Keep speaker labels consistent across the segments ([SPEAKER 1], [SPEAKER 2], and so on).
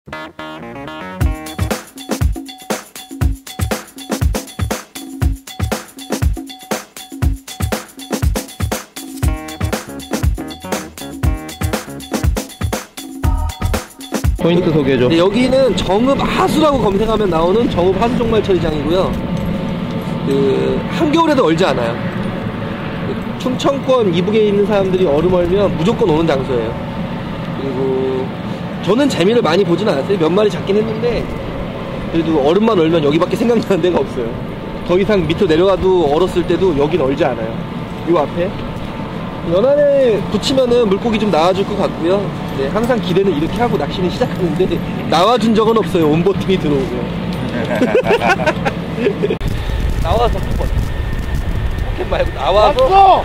[SPEAKER 1] 포인트 소개해줘.
[SPEAKER 2] 네, 여기는 정읍 하수라고 검색하면 나오는 정읍 하수 종말 처리장이고요. 한겨울에도 얼지 않아요. 충청권 이북에 있는 사람들이 얼음 얼면 무조건 오는 장소예요. 그리고 저는 재미를 많이 보진 않았어요. 몇 마리 잡긴 했는데 그래도 얼음만 얼면 여기밖에 생각나는 데가 없어요. 더 이상 밑으로 내려가도 얼었을 때도 여긴 얼지 않아요. 요 앞에 연안에 붙이면은 물고기 좀 나와줄 것 같고요. 네, 항상 기대는 이렇게 하고 낚시는 시작하는데 나와준 적은 없어요. 온보팅이 들어오고요. 나와서 한번 포켓 말고 나와서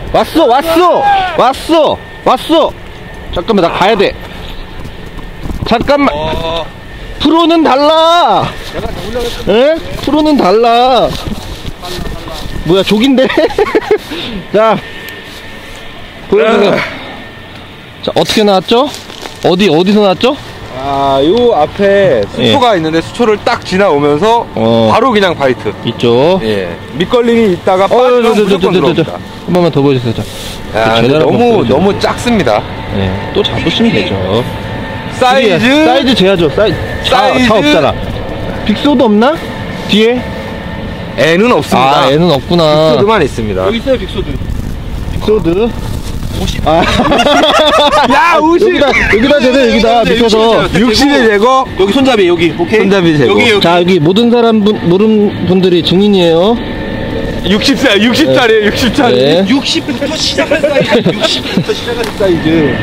[SPEAKER 1] 왔어. 잠깐만, 나 가야 돼. 잠깐만. 프로는 달라. 에? 프로는 달라. 뭐야, 족인데? 자, 보여주세요. 자, 어떻게 나왔죠? 어디서 나왔죠?
[SPEAKER 3] 요 앞에 수초가 있는데 수초를 딱 지나오면서 바로 그냥 바이트
[SPEAKER 1] 있죠.
[SPEAKER 3] 예, 밑걸림이 있다가 빠지면 무조건 들어옵니다.
[SPEAKER 1] 한 번만 더 보여주세요. 자,
[SPEAKER 3] 너무 작습니다.
[SPEAKER 1] 네, 또 잡으시면 되죠.
[SPEAKER 3] 사이즈
[SPEAKER 1] 재야죠. 차 없잖아. 빅소드 없나? 뒤에?
[SPEAKER 3] N은 없습니다.
[SPEAKER 1] N은 없구나.
[SPEAKER 3] 빅소드만 있습니다.
[SPEAKER 2] 여기 있어요. 빅소드
[SPEAKER 1] 50.
[SPEAKER 3] 야, 50.
[SPEAKER 1] 여기다 대세요. 여기다 밑에서
[SPEAKER 3] 60의 제거.
[SPEAKER 2] 여기 손잡이 여기. 오케이.
[SPEAKER 3] 손잡이 제거.
[SPEAKER 2] 여기.
[SPEAKER 1] 자, 여기 모든 모르는 분들이 증인이에요.
[SPEAKER 3] 60짜리에요. 60짜리.
[SPEAKER 1] 네.
[SPEAKER 2] 60부터 시작한 사이즈. 60부터 시작한 사이즈.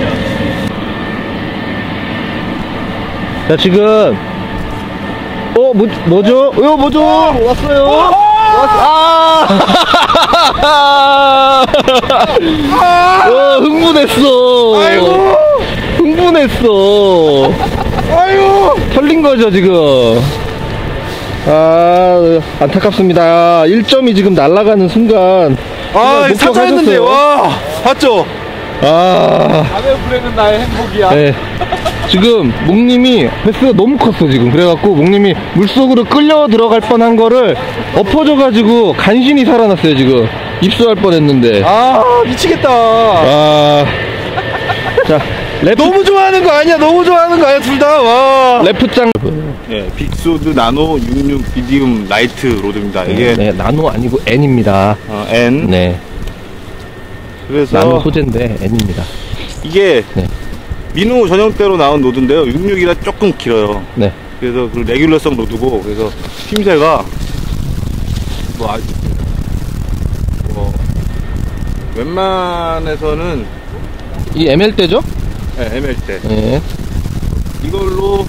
[SPEAKER 1] 자, 지금 뭐죠? 왔어요. 흥분했어. 흥분했어. 털린 거죠, 지금. 안타깝습니다. 1점이 지금 날아가는 순간.
[SPEAKER 3] 사자였는데, 와, 봤죠?
[SPEAKER 2] 밤에 부르는 나의 행복이야.
[SPEAKER 1] 네. 지금 목님이 횟수가 너무 컸어 지금. 그래갖고 목님이 물속으로 끌려 들어갈 뻔한 거를 엎어져가지고 간신히 살아났어요 지금. 입수할 뻔했는데.
[SPEAKER 3] 미치겠다.
[SPEAKER 1] 자,
[SPEAKER 3] 너무 좋아하는 거 아니야? 둘 다. 와.
[SPEAKER 1] 레프짱.
[SPEAKER 4] 예, 빅소드 나노 66 미디움 라이트 로드입니다. 이게
[SPEAKER 1] 네, 나노 아니고 N입니다.
[SPEAKER 4] N.
[SPEAKER 1] 네.
[SPEAKER 4] 그래서
[SPEAKER 1] 나노 소재인데 N입니다.
[SPEAKER 4] 이게
[SPEAKER 1] 네.
[SPEAKER 4] 민호 전용대로 나온 로드인데요. 66이라 조금 길어요.
[SPEAKER 1] 네.
[SPEAKER 4] 그래서 그 레귤러성 로드고, 그래서 힘새가 웬만해서는
[SPEAKER 1] 이 ML대죠?
[SPEAKER 4] 네, ML대.
[SPEAKER 1] 네.
[SPEAKER 4] 이걸로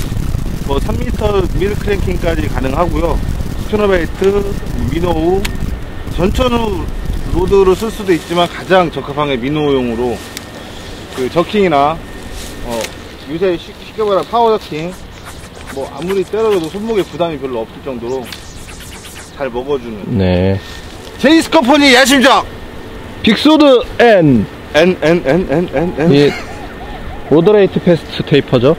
[SPEAKER 4] 3m 미드 크랭킹까지 가능하고요. 스피너베이트, 미노우, 전천후 로드로 쓸 수도 있지만 가장 적합한 게 미노용으로 그 저킹이나 요새 쉽게 말하면 파워 저킹 아무리 때려도 손목에 부담이 별로 없을 정도로 잘 먹어주는.
[SPEAKER 1] 네.
[SPEAKER 3] 제이스 컴퍼니 야심작
[SPEAKER 1] 빅소드 N.
[SPEAKER 4] N.
[SPEAKER 1] 이 모더레이트 패스트 테이퍼죠.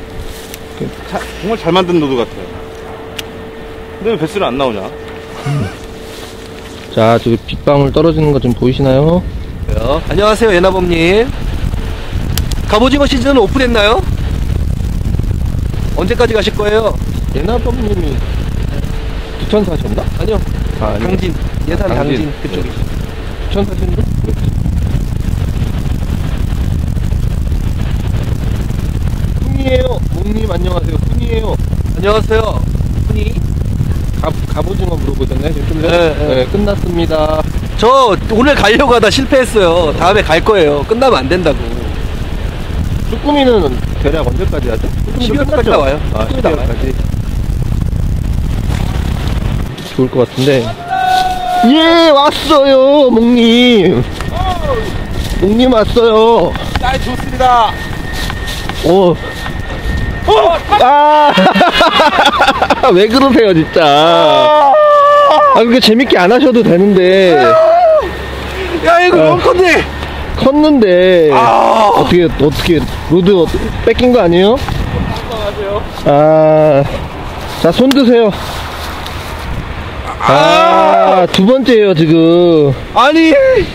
[SPEAKER 4] 정말 잘 만든 로드 같아요. 근데 왜 배스를 안 나오냐?
[SPEAKER 1] 자, 지금 빗방울 떨어지는 거 좀 보이시나요?
[SPEAKER 2] 안녕하세요, 예나범님. 갑오징어 시즌은 오픈했나요? 언제까지 가실 거예요?
[SPEAKER 1] 예나범님이 부천 사셨나?
[SPEAKER 2] 아니요.
[SPEAKER 1] 아니요.
[SPEAKER 2] 당진. 예산 당진 그쪽이.
[SPEAKER 1] 부천 사셨나? 훈이에요. 목님 안녕하세요. 훈이에요.
[SPEAKER 2] 안녕하세요. 훈이.
[SPEAKER 1] 갑오징어 물어보셨나요? 지금 좀 전에? 네, 끝났습니다.
[SPEAKER 2] 저 오늘 가려고 하다 실패했어요. 다음에 갈 거예요. 끝나면 안 된다고.
[SPEAKER 1] 쭈꾸미는 대략 언제까지 하죠?
[SPEAKER 2] 12월까지 나와요.
[SPEAKER 1] 12월까지. 좋을 것 같은데. 예, 왔어요, 목님. 목님 왔어요.
[SPEAKER 3] 날 좋습니다.
[SPEAKER 1] 왜 그러세요, 진짜. 그렇게 재밌게 안 하셔도 되는데.
[SPEAKER 3] 야, 이거 너무 컸네.
[SPEAKER 1] 컸는데. 어떻게, 로드 뺏긴 거 아니에요? 아, 자, 손 드세요. 두 번째예요, 지금.
[SPEAKER 2] 아니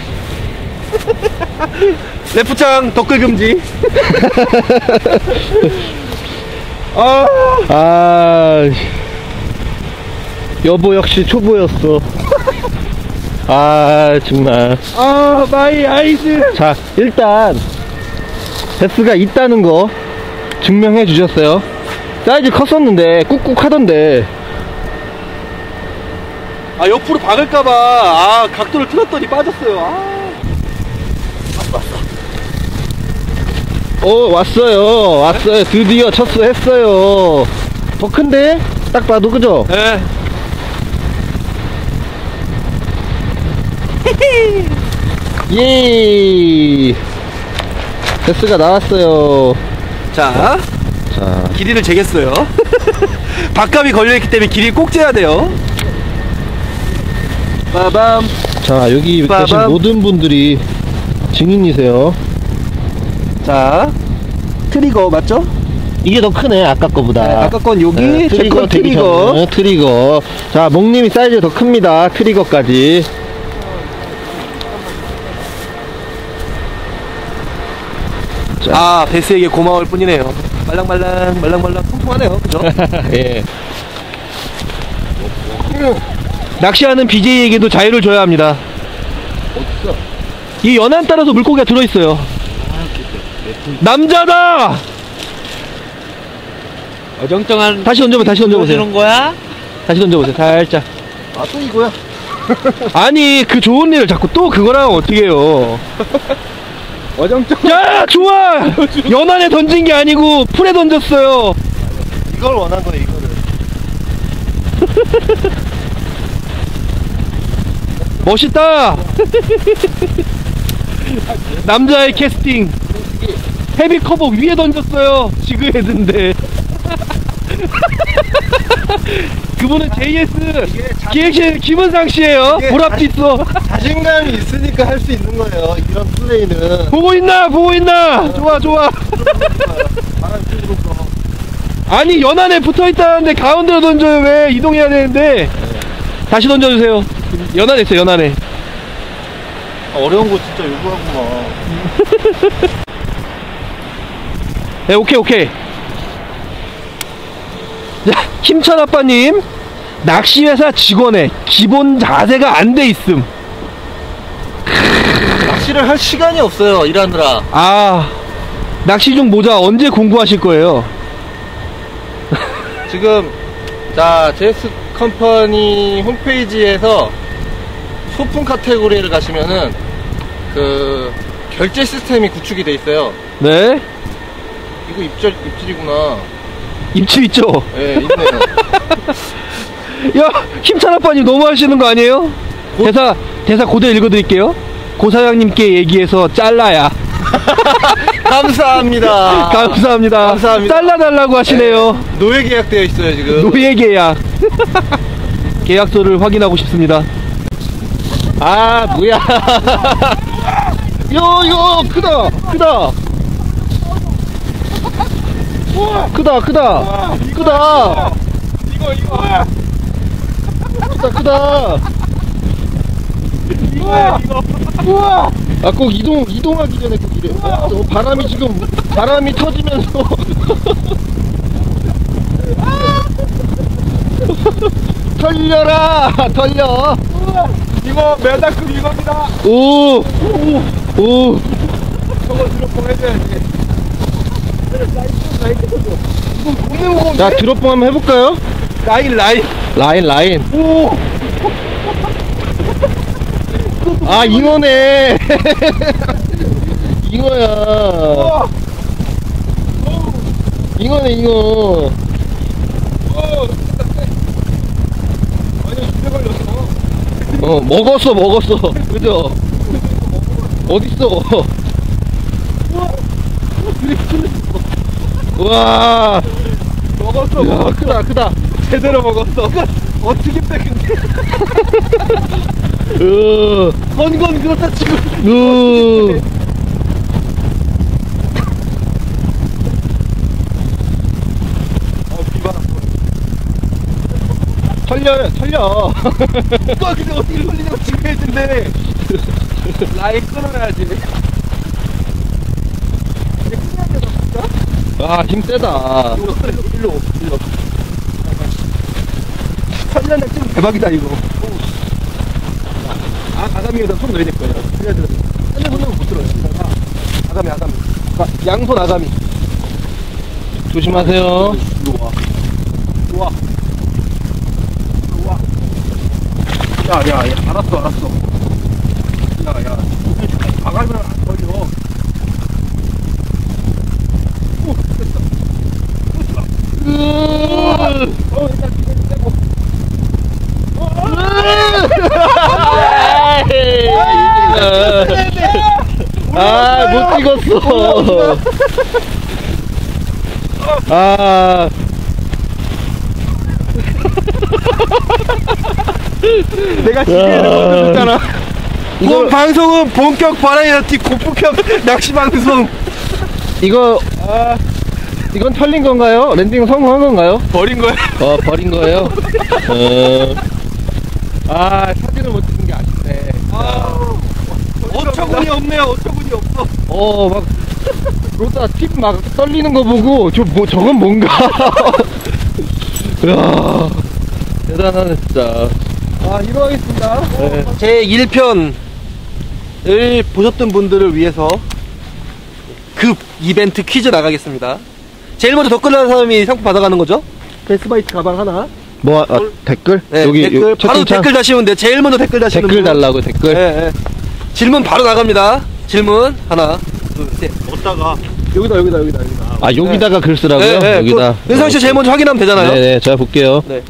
[SPEAKER 2] 레프창 덧글 금지.
[SPEAKER 1] 여보 역시 초보였어. 정말.
[SPEAKER 2] 마이 아이즈.
[SPEAKER 1] 자, 일단 베스가 있다는 거 증명해 주셨어요. 사이즈 컸었는데 꾹꾹 하던데.
[SPEAKER 2] 옆으로 박을까봐 각도를 틀었더니 빠졌어요.
[SPEAKER 1] 왔어요. 드디어 첫수했어요. 더 큰데? 딱 봐도, 그죠?
[SPEAKER 2] 네.
[SPEAKER 1] 예. 베스가 나왔어요.
[SPEAKER 2] 자, 길이를 재겠어요. 박감이 걸려있기 때문에 길이 꼭 재야 돼요. 빠밤.
[SPEAKER 1] 자, 여기 계신 모든 분들이 증인이세요.
[SPEAKER 2] 자, 트리거 맞죠?
[SPEAKER 1] 이게 더 크네, 아까 거보다.
[SPEAKER 2] 네, 아까 건 여기, 제 건 트리거.
[SPEAKER 1] 트리거. 자, 목님이 사이즈 더 큽니다. 트리거까지.
[SPEAKER 2] 베스에게 고마울 뿐이네요. 말랑말랑 통통하네요. 그죠?
[SPEAKER 1] 예.
[SPEAKER 2] 낚시하는 BJ에게도 자유를 줘야 합니다.
[SPEAKER 1] 어딨어?
[SPEAKER 2] 이 연안 따라서 물고기가 들어있어요. 남자다!
[SPEAKER 5] 어정쩡한
[SPEAKER 2] 다시 던져보세요.
[SPEAKER 5] 보여주는 거야?
[SPEAKER 2] 다시 던져보세요. 살짝.
[SPEAKER 1] 또 이거야?
[SPEAKER 2] 아니, 그 좋은 일을 자꾸 또 그거랑 어떻게 해요. 야, 좋아! 연안에 던진 게 아니고 풀에 던졌어요.
[SPEAKER 1] 이걸 원한 거네, 이거를.
[SPEAKER 2] 멋있다! 남자의 캐스팅. 헤비 커버 위에 던졌어요. 지그헤드인데. 그분은 JS 기획실 김은상 씨예요. 보랏빛 있어.
[SPEAKER 1] 자신감이 있으니까 할 수 있는 거예요, 이런 플레이는.
[SPEAKER 2] 보고 있나? 좋아. 아니, 연안에 붙어 있다는데 가운데로 던져요. 왜? 이동해야 되는데. 다시 던져주세요. 연안에 있어요, 연안에.
[SPEAKER 1] 어려운 거 진짜 요구하구만.
[SPEAKER 2] 네, 오케이. 자, 힘찬 아빠님, 낚시회사 직원의 기본 자세가 안 돼 있음.
[SPEAKER 1] 낚시를 할 시간이 없어요, 일하느라.
[SPEAKER 2] 낚시 중 모자 언제 공부하실 거예요?
[SPEAKER 1] 지금, 자, JS 컴퍼니 홈페이지에서 소품 카테고리를 가시면은 그 결제 시스템이 구축이 돼 있어요.
[SPEAKER 2] 네?
[SPEAKER 1] 이거 입질이구나.
[SPEAKER 2] 입질 있죠?
[SPEAKER 1] 예, 있네요.
[SPEAKER 2] 야, 힘찬 아빠님 너무 하시는 거 아니에요? 대사 고대 읽어드릴게요. 고 사장님께 얘기해서 잘라야.
[SPEAKER 1] 감사합니다.
[SPEAKER 2] 감사합니다. 잘라달라고 하시네요.
[SPEAKER 1] 노예 계약되어 있어요, 지금.
[SPEAKER 2] 노예 계약. 계약서를 확인하고 싶습니다.
[SPEAKER 1] 뭐야. 이거 크다. 우와. 꼭 이동하기 전에 꼭 이래. 바람이 터지면서. 털려.
[SPEAKER 3] 이거 메다급 이겁니다.
[SPEAKER 1] 오.
[SPEAKER 3] 저거 드롭봉 해줘야지.
[SPEAKER 1] 자, 드롭봉 한번 해볼까요? 라인.
[SPEAKER 3] 오.
[SPEAKER 1] 잉어네. 잉어야. 잉어네, 잉어. 먹었어. 그죠? 어딨어? 우와.
[SPEAKER 3] 먹었어.
[SPEAKER 1] 야, 크다.
[SPEAKER 3] 제대로 먹었어. 어떻게 빼 근데?
[SPEAKER 2] 건건 그렇다 치고.
[SPEAKER 1] 털려.
[SPEAKER 2] 오빠 근데 어떻게 걸리냐고 지금 했는데 라인 끊어야지.
[SPEAKER 1] 아, 힘 세다.
[SPEAKER 2] 일로. 털려내 지금 대박이다 이거. 아가미에다 손 넣어야 될 거예요. 한 손으로 못 들어요. 아가미. 양손 아가미.
[SPEAKER 1] 조심하세요.
[SPEAKER 2] 이리 와. 야, 알았어. 야, 아가미는 안 걸려. 오, 됐어. 일단 기대를 빼고.
[SPEAKER 1] 아, 못 찍었어. 아.
[SPEAKER 2] 내가 기대를 못했잖아.
[SPEAKER 1] 이거-
[SPEAKER 2] 이번 방송은 본격 바라이어티 고품격 낚시 방송.
[SPEAKER 1] 이건 털린 건가요? 랜딩 성공한 건가요?
[SPEAKER 2] 버린 거야.
[SPEAKER 1] 버린 거예요? 사진을 못 찍은 게 아쉽네.
[SPEAKER 2] 어처구니 없네요. 어처구니 없어.
[SPEAKER 1] 막, 그러다 팁 막 떨리는 거 보고, 저건 뭔가. 이야, 대단하네, 진짜.
[SPEAKER 2] 이로 하겠습니다.
[SPEAKER 1] 네.
[SPEAKER 2] 제 1편을 보셨던 분들을 위해서 급 이벤트 퀴즈 나가겠습니다. 제일 먼저 댓글 다는 사람이 상품 받아가는 거죠? 베스바이트 가방 하나.
[SPEAKER 1] 댓글?
[SPEAKER 2] 네,
[SPEAKER 1] 여기,
[SPEAKER 2] 댓글 바로
[SPEAKER 1] 채팅창?
[SPEAKER 2] 댓글 다시면 돼요. 제일 먼저 댓글 다시는
[SPEAKER 1] 댓글
[SPEAKER 2] 분.
[SPEAKER 1] 달라고, 댓글.
[SPEAKER 2] 네. 질문 바로 나갑니다. 질문 하나, 둘, 셋.
[SPEAKER 4] 어디다가
[SPEAKER 2] 여기다.
[SPEAKER 1] 여기다가 글 쓰라고요?
[SPEAKER 2] 네,
[SPEAKER 1] 여기다.
[SPEAKER 2] 은상 씨 제일 먼저 확인하면 되잖아요.
[SPEAKER 1] 네네, 제가 볼게요.
[SPEAKER 2] 네.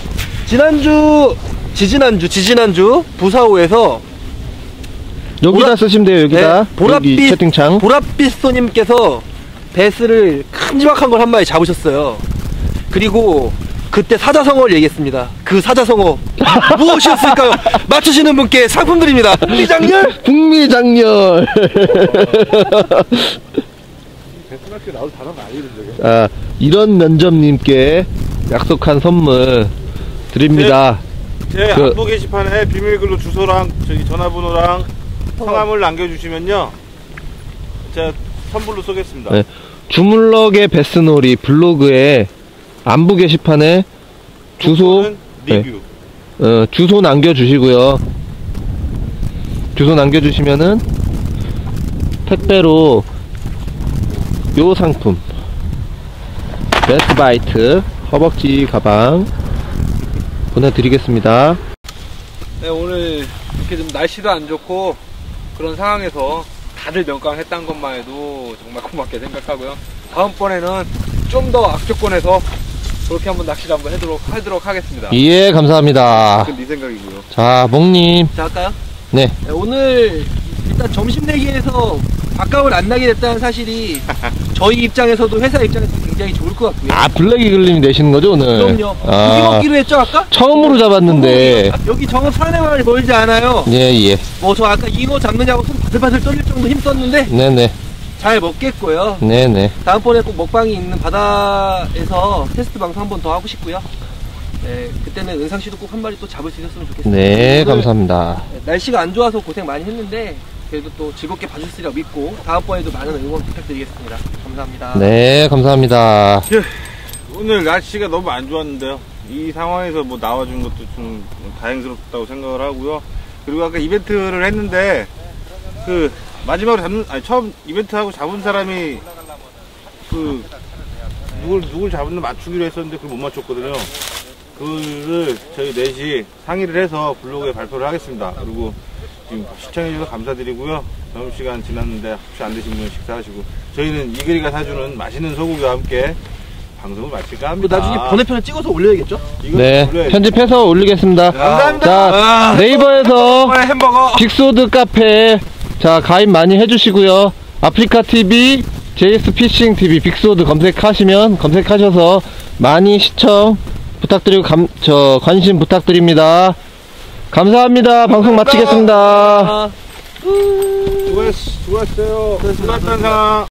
[SPEAKER 2] 지지난주 부사호에서
[SPEAKER 1] 여기다 쓰시면 돼요, 여기다.
[SPEAKER 2] 네,
[SPEAKER 1] 여기 채팅창.
[SPEAKER 2] 보랏빛소님께서 베스를 큼지막한 걸 한 마리 잡으셨어요. 그리고 그때 사자성어를 얘기했습니다. 그 사자성어 무엇이었을까요? 맞추시는 분께 상품 드립니다. 미장렬.
[SPEAKER 1] 북미장렬. 이런 면접님께 약속한 선물 드립니다.
[SPEAKER 4] 제
[SPEAKER 1] 그-
[SPEAKER 4] 안부 게시판에 비밀글로 주소랑 전화번호랑 성함을 남겨주시면요 제가 선물로 쏘겠습니다.
[SPEAKER 1] 네. 주물럭의 베스놀이 블로그에 안부 게시판에 주소,
[SPEAKER 4] 리뷰.
[SPEAKER 1] 주소 남겨주시고요. 주소 남겨주시면은 택배로 요 상품 베스바이트 허벅지 가방 보내드리겠습니다.
[SPEAKER 3] 네, 오늘 이렇게 좀 날씨도 안 좋고 그런 상황에서 다들 명강했다는 것만 해도 정말 고맙게 생각하고요. 다음번에는 좀 더 악조건에서 그렇게 한번 낚시를 한번 하도록 하겠습니다.
[SPEAKER 1] 예, 감사합니다.
[SPEAKER 3] 그건 네 생각이고요.
[SPEAKER 1] 자, 목님.
[SPEAKER 2] 자, 할까요?
[SPEAKER 1] 네.
[SPEAKER 2] 네, 오늘 일단 점심 내기에서 밥값을 안 나게 됐다는 사실이 저희 입장에서도 회사 입장에서 굉장히 좋을 것 같고요.
[SPEAKER 1] 블랙 이글님이 내시는 거죠, 오늘?
[SPEAKER 2] 그럼요. 고기 먹기로 했죠, 아까?
[SPEAKER 1] 처음으로 잡았는데.
[SPEAKER 2] 여기 정읍 산에마을이 멀지 않아요.
[SPEAKER 1] 예.
[SPEAKER 2] 뭐 저 아까 잉어 잡느냐고 손 바들바들 떨릴 정도 힘썼는데
[SPEAKER 1] 네네.
[SPEAKER 2] 잘 먹겠고요.
[SPEAKER 1] 네네.
[SPEAKER 2] 다음번에 꼭 먹방이 있는 바다에서 테스트 방송 한 번 더 하고 싶고요. 네, 그때는 은상 씨도 꼭 한 마리 또 잡을 수 있었으면 좋겠습니다.
[SPEAKER 1] 네,
[SPEAKER 2] 오늘
[SPEAKER 1] 감사합니다.
[SPEAKER 2] 날씨가 안 좋아서 고생 많이 했는데 그래도 또 즐겁게 봐주시리라 믿고 다음번에도 많은 응원 부탁드리겠습니다. 감사합니다.
[SPEAKER 1] 네, 감사합니다.
[SPEAKER 4] 오늘 날씨가 너무 안 좋았는데요. 이 상황에서 뭐 나와준 것도 좀 다행스럽다고 생각을 하고요. 그리고 아까 이벤트를 했는데 그 마지막으로 처음 이벤트하고 잡은 사람이 그 누굴 잡는 맞추기로 했었는데 그걸 못 맞췄거든요. 그거를 저희 넷이 상의를 해서 블로그에 발표를 하겠습니다. 그리고 지금 시청해주셔서 감사드리고요. 점심시간 지났는데 혹시 안 드신 분은 식사하시고 저희는 이글이가 사주는 맛있는 소고기와 함께 방송을 마칠까 합니다.
[SPEAKER 2] 나중에 번외편을 찍어서 올려야겠죠?
[SPEAKER 1] 네, 편집해서 올리겠습니다.
[SPEAKER 2] 감사합니다.
[SPEAKER 1] 자, 네이버에서
[SPEAKER 3] 햄버거.
[SPEAKER 1] 빅소드 카페 자 가입 많이 해주시고요. 아프리카 TV, JS 피싱 TV, 빅소드 검색하셔서 많이 시청 부탁드리고 관심 부탁드립니다. 감사합니다. 방송 마치겠습니다.
[SPEAKER 4] 수고했어요. 수고했던 상황.